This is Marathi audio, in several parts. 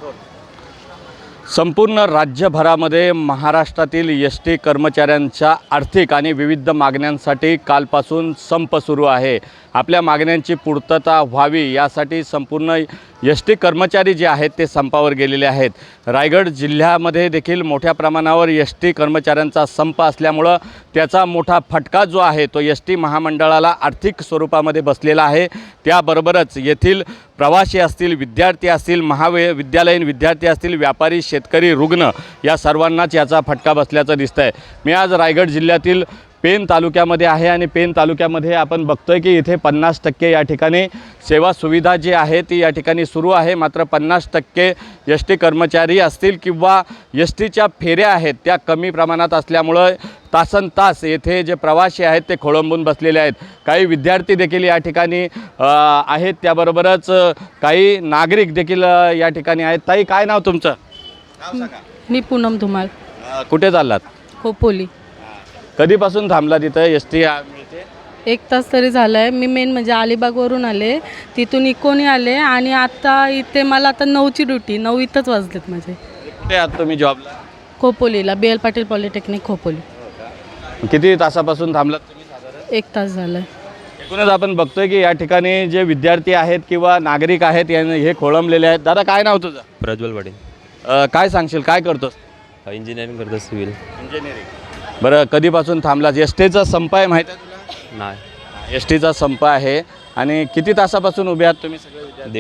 संपूर्ण राज्यभरामध्ये महाराष्ट्रातील एस टी कर्मचाऱ्यांच्या आर्थिक आणि विविध मागण्यांसाठी कालपासून संप सुरू आहे। आपल्या मागण्यांची पूर्तता व्हावी यासाठी संपूर्ण एस टी कर्मचारी जे आहेत ते संपावर गेलेले आहेत। रायगड जिल्ह्यामध्ये देखील मोठ्या प्रमाणावर एस टी कर्मचाऱ्यांचा संप असल्यामुळं त्याचा मोठा फटका जो आहे तो एस टी महामंडळाला आर्थिक स्वरूपामध्ये बसलेला आहे। त्याबरोबरच येथील प्रवासी असतील, विद्यार्थी असतील, महाविद्यालयीन विद्यार्थी असतील, व्यापारी, शेतकरी, रुग्ण या सर्वांनाच याचा फटका बसल्याचं दिसतंय। मी आज रायगड जिल्ह्यातील पेन तालुक्यामध्ये आहे आणि पेन तालुक्यामध्ये आपण बघतोय की इथे 50% या ठिकाणी सेवा सुविधा जी आहे ती या ठिकाणी सुरू आहे। मात्र 50% एस टी कर्मचारी असतील किंवा एस टीच्या फेऱ्या आहेत त्या कमी प्रमाणात असल्यामुळं तासनतास येथे जे प्रवासी आहेत ते खोळंबून बसलेले आहेत। काही विद्यार्थी देखील या ठिकाणी आहेत, त्याबरोबरच काही नागरिक देखील या ठिकाणी आहेत। ताई, काय नाव तुमचं? मी पूनम धुमाळ. कुठे चाललात? खोपोली. कधीपासून थांबला तिथं? एस टी मिळते? 1 तास तरी झाला आहे. मी मेन म्हणजे अलिबागवरून आले, तिथून इकोनी आले आणि आता इथे मला आता 9ची ड्युटी, 9 इथंच वाजलेत माझे. कुठे आहात तुम्ही जॉबला? खोपोलीला, BL पाटील पॉलिटेक्निक खोपोली. किती तासापासून थांबलात तुम्ही साधारण? 1 तास झाला आहे. एकूणच आपण बघतोय की या ठिकाणी जे विद्यार्थी आहेत किंवा नागरिक आहेत हे खोळंबलेले आहेत। दादा, काय नाव तुझं? प्रज्वल पाटील. काय सांगशील, काय करतोस? इंजिनिअरिंग करतो, सिव्हिल इंजिनिअरिंग. बरं, कधीपासून थांबलास? एस टीचा संप आहे, माहीत आहे तुला? नाही. एस टीचा संप आहे आणि किती तासापासून उभे आहात तुम्ही सगळे विद्यार्थी?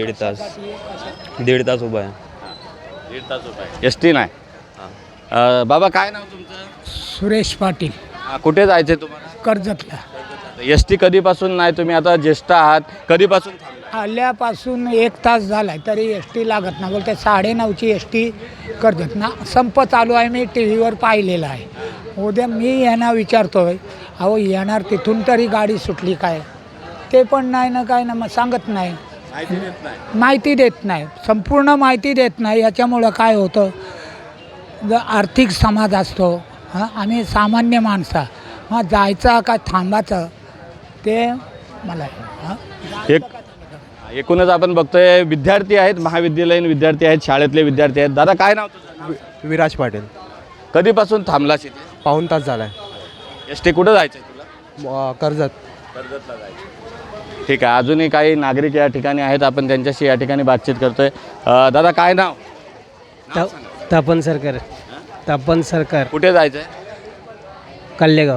1.5 तास उभा आहे. 1.5 तास उभा आहे. एस टी नाही. बाबा, काय नाव तुमचं? सुरेश पाटील. कुठे जायचं तुम्हाला? कर्जतला. एस टी कधीपासून नाही? तुम्ही आता ज्येष्ठ आहात, कधीपासून थांबला? आल्यापासून 1 तास झाला आहे तरी एस टी लागत ना. बोलते 9:30ची एस टी कर्जत ना संप चालू आहे. मी टी व्हीवर पाहिलेलं आहे. उद्या मी यांना विचारतो आहे, अहो येणार तिथून तरी गाडी सुटली काय? ते पण नाही ना, काय ना, मग सांगत नाही, माहिती देत नाही, संपूर्ण माहिती देत नाही. याच्यामुळं काय होतं, जर आर्थिक समाज असतो आम्ही सामान्य माणसं जायचं का थांबायचं ते मला एकूणच आपण बघतोय विद्यार्थी आहेत, महाविद्यालयीन विद्यार्थी आहेत, शाळेतले विद्यार्थी आहेत। दादा, काय नाव तुझं? विराज पाटील. कधीपासून थांबलास इथे? पाऊण तास झाला आहे. एस टी कुठं जायचं आहे तुला? कर्जत. कर्जतला जायचं. ठीक आहे, अजूनही काही नागरिक या ठिकाणी आहेत, आपण त्यांच्याशी या ठिकाणी बातचीत करतोय। दादा, काय नाव? तापन सरकार. तापन सरकार. कुठे जायचं आहे? कल्लेगाव.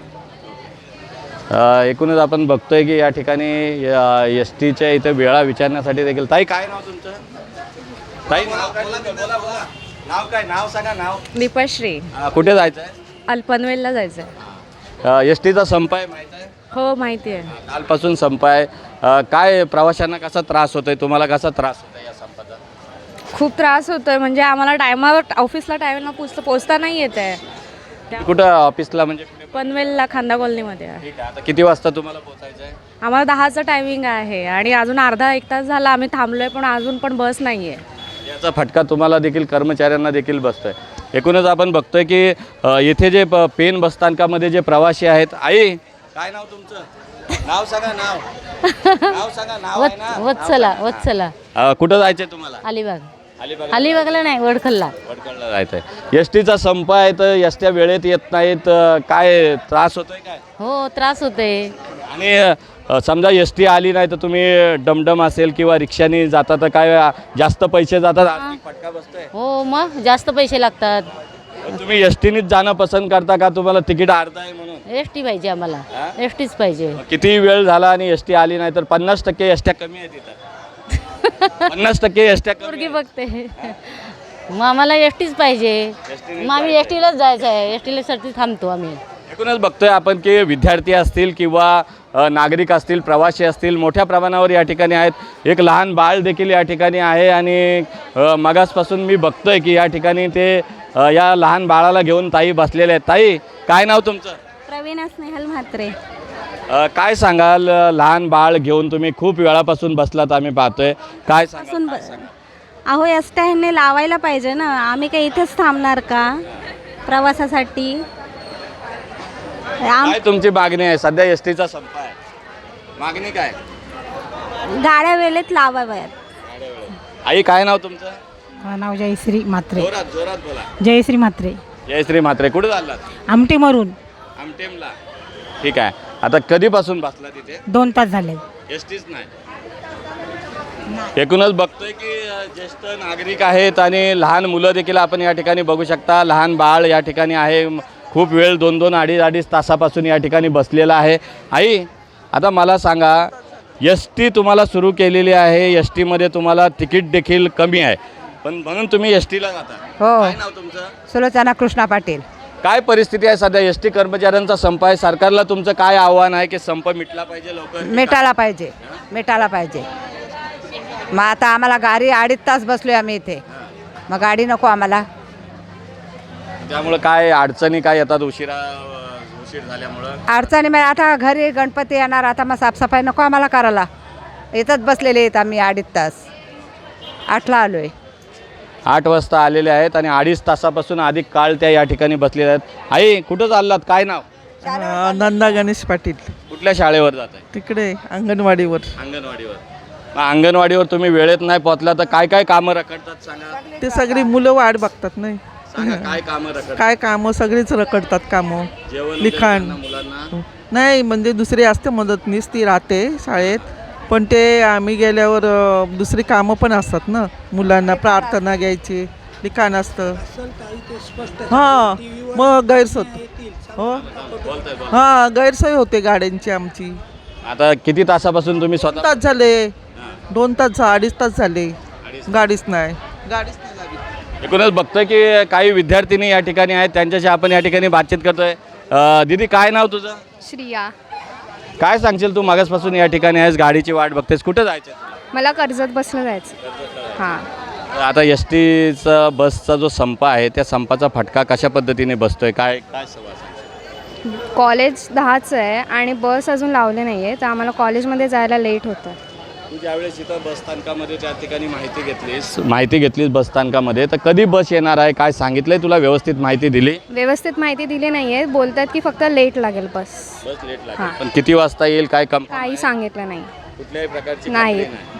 एकूणच आपण बघतोय की या ठिकाणी एस टीच्या इथे वेळा विचारण्यासाठी देखील। ताई, काय नाव तुमचं? ताई, नाव काय? बोला. नाव काय? नाव सांगा. नाव? दीपाश्री. कुठे जायचं आहे? अल्पनवेलला जायचं आहे. एस टीचा संप आहे, माहीत आहे? हो, माहिती आहे. कालपासून संप आहे। काय प्रवाशांना कसा त्रास होतोय, तुम्हाला कसा त्रास होतोय या संपाचा? खूप त्रास होतोय, म्हणजे आम्हाला टायमावर ऑफिसला टायमाला पोचता नाही येत आहे. कुठं ऑफिसला? म्हणजे पनवेलला, खांदा कॉलनीमध्ये आहे. ठीक आहे, आता किती वाजता तुम्हाला पोहोचायचं आहे? आम्हाला 10चं टायमिंग आहे आणि अजून अर्धा 1 तास झाला आम्ही थांबलोय, पण अजून पण बस नाही आहे. याचा फटका तुम्हाला देखील, कर्मचाऱ्यांना देखील बसतोय। एकूणच आपण बघतोय की येथे जे पेन बसस्थानकामध्ये जे प्रवासी आहेत। आई, काय नाव तुमचं? नाव सांगा. नाव सांगा. नाव आहे ना? वत्सला. कुठं जायचंय तुम्हाला? अलिबाग. अलिबागला नाही, वडखलला. वडखलला जायचंय। एस टीचा संप आहे तर एस टी वेळेत येत नाहीत, काय त्रास होतोय काय? हो, त्रास होते. आणि समजा एस टी आली नाही तर तुम्ही डमडम असेल किंवा रिक्षाने जाता तर काय जास्त पैसे जातात, आर्थिक फटका बसतोय? हो, मग जास्त पैसे लागतात. तुम्ही एस टीनेच जाणं पसंत करता का? तुम्हाला तिकीट अर्ध आहे म्हणून? एस टी पाहिजे आम्हाला. एस टीच पाहिजे. किती वेळ झाला आणि एस टी आली नाही तर 50% एस ट्या कमी आहेत इथं. 50% एस ट्या कमी बघते. मग आम्हाला एस टीच पाहिजे. मग आम्ही एस टीलाच जायचं आहे. एस टीसाठी थांबतो आम्ही. एकूणच बघतोय आपण की विद्यार्थी असतील किंवा नागरिक असतील, प्रवासी असतील, मोठ्या प्रमाणावर या ठिकाणी आहेत। एक लहान बाळ देखील या ठिकाणी आहे आणि मगासपासून मी बघतोय की या ठिकाणी ते या लहान बाळाला घेऊन ताई बसलेले आहेत। ताई, काय नाव तुमचं? प्रवीणा स्नेहल म्हात्रे. काय सांगाल, लहान बाळ घेऊन तुम्ही खूप वेळापासून बसलात, आम्ही पाहतोय, काय सांगाल? अहो, एस टी ह्यांनी लावायला पाहिजे ना. आम्ही काही इथेच थांबणार का प्रवासासाठी? काय तुमची मागणी आहे? सध्या एस टीचा संप आहे, मागणी काय? गाड्या वेळेत लावाव्यात. आई, काय नाव तुमचं? माझं नाव जयश्री म्हात्रे. जोरात जोरात बोला. जयश्री म्हात्रे, जयश्री म्हात्रे. कुठे चाललात? आमटेमरून. आमटेमला. ठीक आहे. आता कधीपासून बसला तिथे? 2 तास झाले. एसटीच नाही. एकूणच बघतोय की ज्येष्ठ नागरिक आहेत आणि लहान मुलं देखील आपण या ठिकाणी बघू शकता. लहान बाळ या ठिकाणी आहे. खूप वेळ 2-2, अडीच तासापासून या ठिकाणी बसलेला आहे. आई, आता मला सांगा, एस टी तुम्हाला सुरू केलेली आहे. एस टीमध्ये तुम्हाला तिकीट देखील कमी आहे, पण म्हणून तुम्ही एस टीला जाता. हो. काय नाव तुमचं? सुलोचना कृष्णा पाटील. काय परिस्थिती आहे सध्या? एस टी कर्मचाऱ्यांचा संप आहे. सरकारला तुमचं काय आव्हान आहे की संप मिटला पाहिजे लवकर? मिटायला पाहिजे, मिटायला पाहिजे. मग आता आम्हाला गाडी 2.5 तास बसलोय आम्ही इथे, मग गाडी नको आम्हाला. त्यामुळे काय अडचणी काय येतात उशीर झाल्यामुळं? अडचणी म्हणजे आता घरी गणपती येणार, आता मग साफसफाई नको आम्हाला करायला. इथंच बसलेले आहेत आम्ही 2.5 तास. 8ला आलो आहे. 8 वाजता आलेले आहेत आणि 2.5 तासापासून अधिक काळ त्या या ठिकाणी बसलेल्या आहेत. आई, कुठं चाललात? काय नाव? नंदा गणेश पाटील. कुठल्या शाळेवर जात आहे? तिकडे अंगणवाडीवर. अंगणवाडीवर. मग अंगणवाडीवर तुम्ही वेळेत नाही पोहोचला तर काय काय कामं रखडतात सांगा? ते सगळी मुलं वाट बघतात नाही. सांगा काय कामं रखडतात? काय कामं सगळीच रखडतात कामं. जेवण लिखाण मुलांना नाही, म्हणजे दुसरी असते मदतनीस, ती राहते शाळेत, पण ते आम्ही गेल्यावर दुसरी कामं पण असतात ना. मुलांना प्रार्थना घ्यायची, लिखाण असतं. हां, मग गैरसोय. हो, हां, गैरसोय होते गाड्यांची आमची. आता किती तासापासून तुम्ही 2 स्वतः? तास झाले. 2 तास 2.5 तास झाले. गाडीच नाही लागली. एकूणच बघतोय की काही विद्यार्थिनी या ठिकाणी आहेत, त्यांच्याशी आपण या ठिकाणी बातचीत करतोय. दीदी, काय नाव तुझं? श्रिया. काय सांगशील तू? मागासपासून या ठिकाणी आहेस, गाडीची वाट बघतेस, कुठं जायचं? मला कर्जत बसनं जायचं. हां. आता एस टीचा बसचा जो संप आहे त्या संपाचा फटका कशा पद्धतीने बसतोय? काय काय कॉलेज 10चं आहे आणि बस अजून लावले नाही आहे, तर आम्हाला कॉलेजमध्ये जायला लेट होतं. तू ज्यावेळेस इथं बसस्थानकामध्ये त्या ठिकाणी माहिती घेतलीस बसस्थानकामध्ये, तर कधी बस येणार आहे काय सांगितलंय तुला? व्यवस्थित माहिती दिली? व्यवस्थित माहिती दिली नाही आहे. बोलतात की फक्त लेट लागेल बस. लेट लागेल, पण किती वाजता येईल काय काही सांगितलं नाही. कुठल्याही प्रकारची नाही.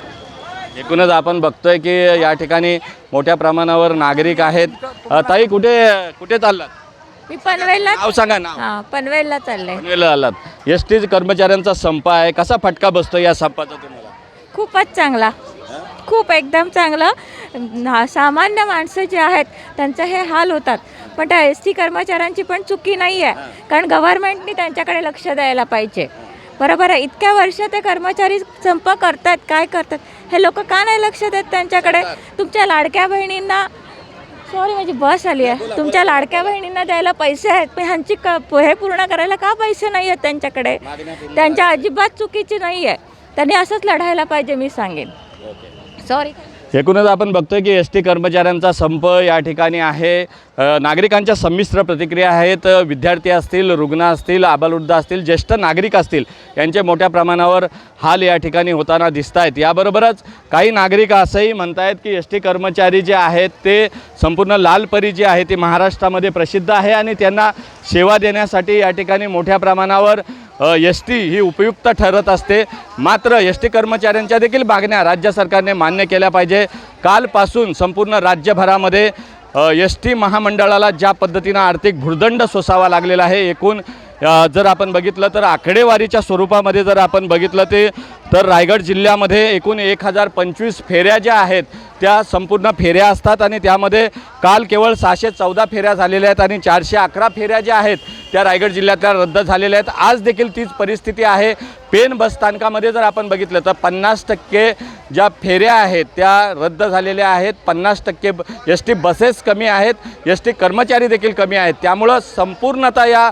एकूणच आपण बघतोय की या ठिकाणी मोठ्या प्रमाणावर नागरिक आहेत. ताई, कुठे चाललात? मी पनवेलला. नाव सांगा. नाव? हां, पनवेलला चाललंय. पनवेलला आलात. एस टी कर्मचाऱ्यांचा संप आहे, कसा फटका बसतो या संपाचा तुम्हाला? खूपच चांगला, खूप एकदम चांगलं. सामान्य माणसं जे आहेत त्यांचे हे हाल होतात, पण त्या एस टी कर्मचाऱ्यांची पण चुकी नाही आहे, कारण गव्हर्नमेंटनी त्यांच्याकडे लक्ष द्यायला पाहिजे. बरोबर आहे. इतक्या वर्ष ते कर्मचारी संप करतात, काय करतात, हे लोक का नाही लक्ष देत त्यांच्याकडे? तुमच्या लाडक्या बहिणींना, सॉरी माझी बस आली आहे, तुमच्या लाडक्या बहिणींना द्यायला पैसे आहेत, पण ह्यांची हे पूर्ण करायला का पैसे नाही आहेत त्यांच्याकडे? त्यांच्या अजिबात चुकीची नाही आहे. त्यांनी असंच लढायला पाहिजे, मी सांगेन. सॉरी. एकूणच आपण बघतोय की एस टी कर्मचाऱ्यांचा संप या ठिकाणी आहे. नागरिकांच्या संमिश्र प्रतिक्रिया आहेत. विद्यार्थी असतील, रुग्ण असतील, आबालवृद्ध असतील, ज्येष्ठ नागरिक असतील, यांचे मोठ्या प्रमाणावर हाल या ठिकाणी होताना दिसत आहेत. याबरोबरच काही नागरिक असंही म्हणत आहेत की एस टी कर्मचारी जे आहेत ते संपूर्ण लालपरी जी आहे ती महाराष्ट्रामध्ये प्रसिद्ध आहे आणि त्यांना सेवा देण्यासाठी या ठिकाणी मोठ्या प्रमाणावर एस टी ही उपयुक्त ठरत असते. मात्र एस टी कर्मचाऱ्यांच्या देखील मागण्या राज्य सरकारने मान्य केल्या पाहिजे. कालपासून संपूर्ण राज्यभरामध्ये एस टी महामंडळाला ज्या पद्धतीनं आर्थिक भुर्दंड सोसावा लागलेला आहे, एकूण जर आपण बघितलं तर आकडेवारीच्या स्वरूपामध्ये जर आपण बघितलं तर रायगड जिल्ह्यामध्ये एकूण 1025 फेऱ्या ज्या आहेत त्या संपूर्ण फेऱ्या असतात आणि त्यामध्ये काल केवळ 614 फेऱ्या झालेल्या आहेत आणि 411 फेऱ्या ज्या आहेत त्या रायगड जिल्ह्यातल्या रद्द झालेल्या आहेत. आज देखील तीच परिस्थिती आहे. पेन बसस्थानकामध्ये जर आपण बघितलं तर 50% ज्या फेऱ्या आहेत त्या रद्द झालेल्या आहेत. 50% एस टी बसेस कमी आहेत, एस टी कर्मचारी देखील कमी आहेत. त्यामुळं संपूर्णतः या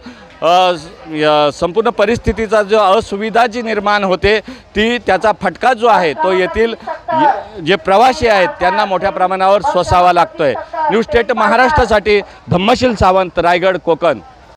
संपूर्ण परिस्थितीचा जो असुविधा जी निर्माण होते ती त्याचा फटका जो आहे तो येथील जे प्रवासी आहेत त्यांना मोठ्या प्रमाणावर सोसावा लागतोय. न्यूज स्टेट महाराष्ट्रासाठी धम्मशील सावंत, रायगड, कोकण.